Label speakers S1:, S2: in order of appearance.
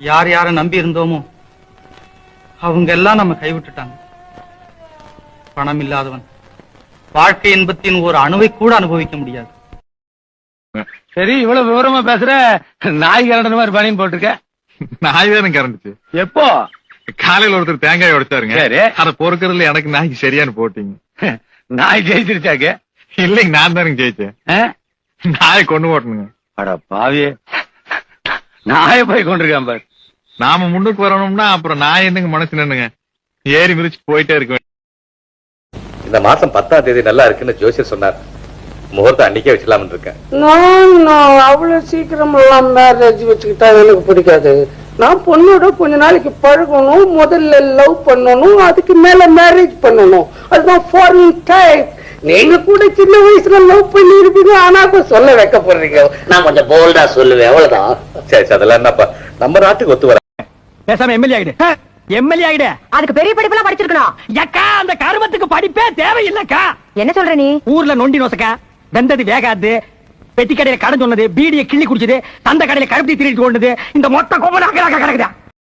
S1: யார் யார நம்பி இருந்தோமோ அவங்க எல்லாம் நம்ம கைவிட்டுட்டாங்க. பணம் இல்லாதவன் வாழ்க்கை இன்பத்தின் ஒரு அணுவை கூட அனுபவிக்க முடியாது.
S2: சரி, இவ்வளவு விவரமா பேசுற. நாய் கரண்ட மாதிரி பனியன் போட்டிருக்க.
S3: நாய் தானே கரண்டுச்சு.
S2: எப்போ?
S3: காலையில ஒருத்தர் தேங்காய் உடைச்சாருங்க. அத பொறுக்கிறதுல எனக்கு நாய்க்கு சரியானு போட்டீங்க.
S2: நாய் ஜெயிச்சிருச்சாக்க?
S3: இல்லைங்க, நான் தானுங்க ஜெயிச்சேன். நாயை கொண்டு போட்டணுங்க.
S2: அட பாவியே, நாயை போய் கொண்டிருக்கான் பாரு.
S3: நாம முன்னுக்கு வரணும்னா அப்புறம் நாய் என்னங்க மனசு நின்னுங்க ஏறி மிதிச்சு போயிட்டே இருக்க.
S4: இந்த மாசம் 10ஆம் தேதி நல்லா இருக்குன்னு ஜோசியர் சொன்னார். முகூர்த்தம் அன்னைக்கே வச்சுக்கலாம்னு இருக்கேன்.
S5: நான் அவ்வளவு சீக்கிரம் எல்லாம் மேரேஜ் வச்சுக்கிட்டா எனக்கு பிடிக்காது. நான் பொண்ணோட கொஞ்ச நாளைக்கு பழகணும், முதல்ல லவ் பண்ணணும், அதுக்கு மேல மேரேஜ் பண்ணணும். அதுதான் ஃபாரின் டைப். நீங்க கூட சின்ன வயசுல லவ் பண்ணி இருப்பீங்க, ஆனா இப்ப சொல்ல வைக்க போறீங்க. நான் கொஞ்சம் போல்டா சொல்லுவேன், அவ்வளவுதான்.
S4: சரி, அதெல்லாம் என்னப்பா, நம்ம நாட்டுக்கு ஒத்து வர.
S2: பேசாம எம்எல்ஏ ஆயிடு. எம்எல்ஏ ஆயிடு.
S6: அதுக்கு பெரிய படிப்புலாம் படிச்சிருக்கணும்.
S2: அக்கா, அந்த கருமத்துக்கு படிப்பே தேவையில்லக்கா.
S6: என்ன சொல்ற நீ?
S2: ஊர்ல நொண்டி நோசக்கா, வெந்தது வேகாது, பெட்டி கடையில கடன் சொன்னது, பீடியை கிள்ளி குடிச்சது, தந்த கடையில கருப்பி திருட்டு கொண்டது, இந்த மொத்த கோபம் கிடக்குதா?